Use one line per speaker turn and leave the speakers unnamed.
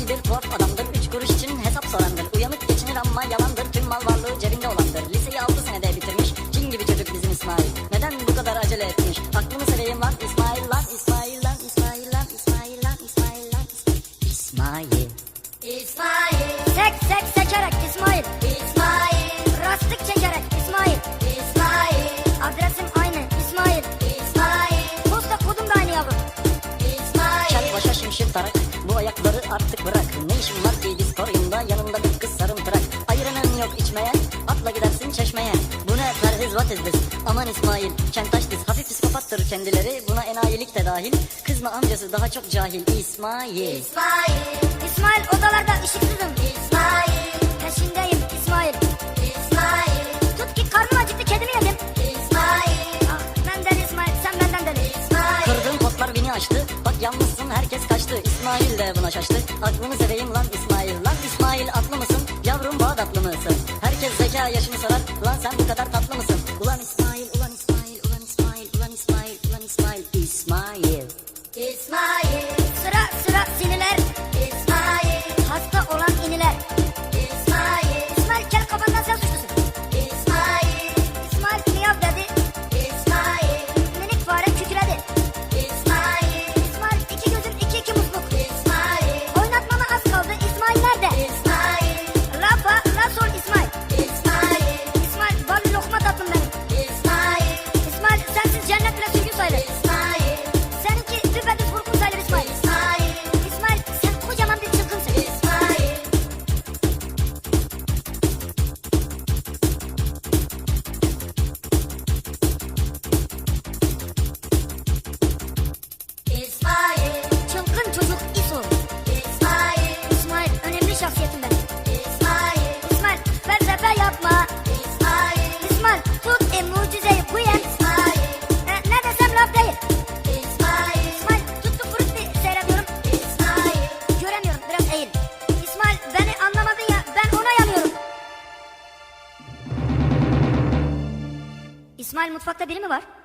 İyidir, tuhaf adamdır, 3 kuruş için hesap sorandır. Uyanık geçinir ama yalandır, tüm mal varlığı cebinde olandır. Liseyi 6 senede bitirmiş, cin gibi çocuk bizim İsmail. Neden bu kadar acele etmiş? Aklını seveyim lan İsmail, lan İsmail, lan İsmail, lan İsmail, lan İsmail, lan İsmail.
İsmail,
Sek sek sekerek İsmail.
İsmail,
Rastlık çekerek İsmail.
İsmail,
Adresim aynı İsmail.
İsmail,
Posta kodum da aynı yavrum.
Kel
İsmail,
başa şimşir tarak, bu ayakları artık bırak. Ne işin var ki diskoryumda, yanında bir kız sarımtırak. Ayıranın yok içmeye, atla gidersin çeşmeye. Bu ne perhiz, what is this? Aman İsmail, kentaş diz, hafif psikopattır kendileri. Buna enayilik de dahil, kızma amcası daha çok cahil. İsmail.
İsmail,
İsmail odalarda ışıksızım.
İsmail,
Peşindeyim İsmail.
İsmail,
Tut ki karnım acıktı kedimi yedim.
İsmail,
Ah benden İsmail sen benden deli.
İsmail,
Kırdığın potlar beni açtı, bak yalnızsın herkes kaçtı. İsmail de buna şaştı, aklını seveyim lan İsmail. Lan İsmail atlı mısın, yavrum Bağdatlı mısın? Herkes zeka yaşını sorar, lan sen bu kadar tatlı mısın? Ulan İsmail, ulan İsmail, ulan İsmail, ulan İsmail, ulan İsmail, İsmail.
İsmail,
Sıra sıra siniler.
İsmail,
Hasta olan iniler.
İsmail,
İsmail kel kafandan sen suçlusun.
İsmail,
İsmail miyav dedi.
İsmail,
Minik fare kükredi.
İsmail,
İsmail iki gözüm iki musluk.
İsmail,
Oynatmama az kaldı. İsmail nerede?
İsmail,
La fa la sol İsmail.
İsmail,
İsmail bal lokma tatlım benim.
İsmail,
İsmail sensiz cennet bile sürgün sayılır.
İsmail,
Seninki düpedüz vurgun sayılır İsmail.
İsmail,
İsmail sen kocaman bir çılgınsın.
İsmail, İsmail,
Çılgın çocuk İso.
İsmail,
İsmail önemli şahsiyetim benim.
İsmail,
İsmail felsefe yapma.
İsmail,
İsmail tut mucizeyi bu yen.
İsmail,
Ne desem laf değil.
İsmail,
İsmail tuttu frutti seyrediyorum.
İsmail,
Göremiyorum biraz eğil. İsmail beni anlamadın ya ben ona yanıyorum. İsmail mutfakta biri mi var?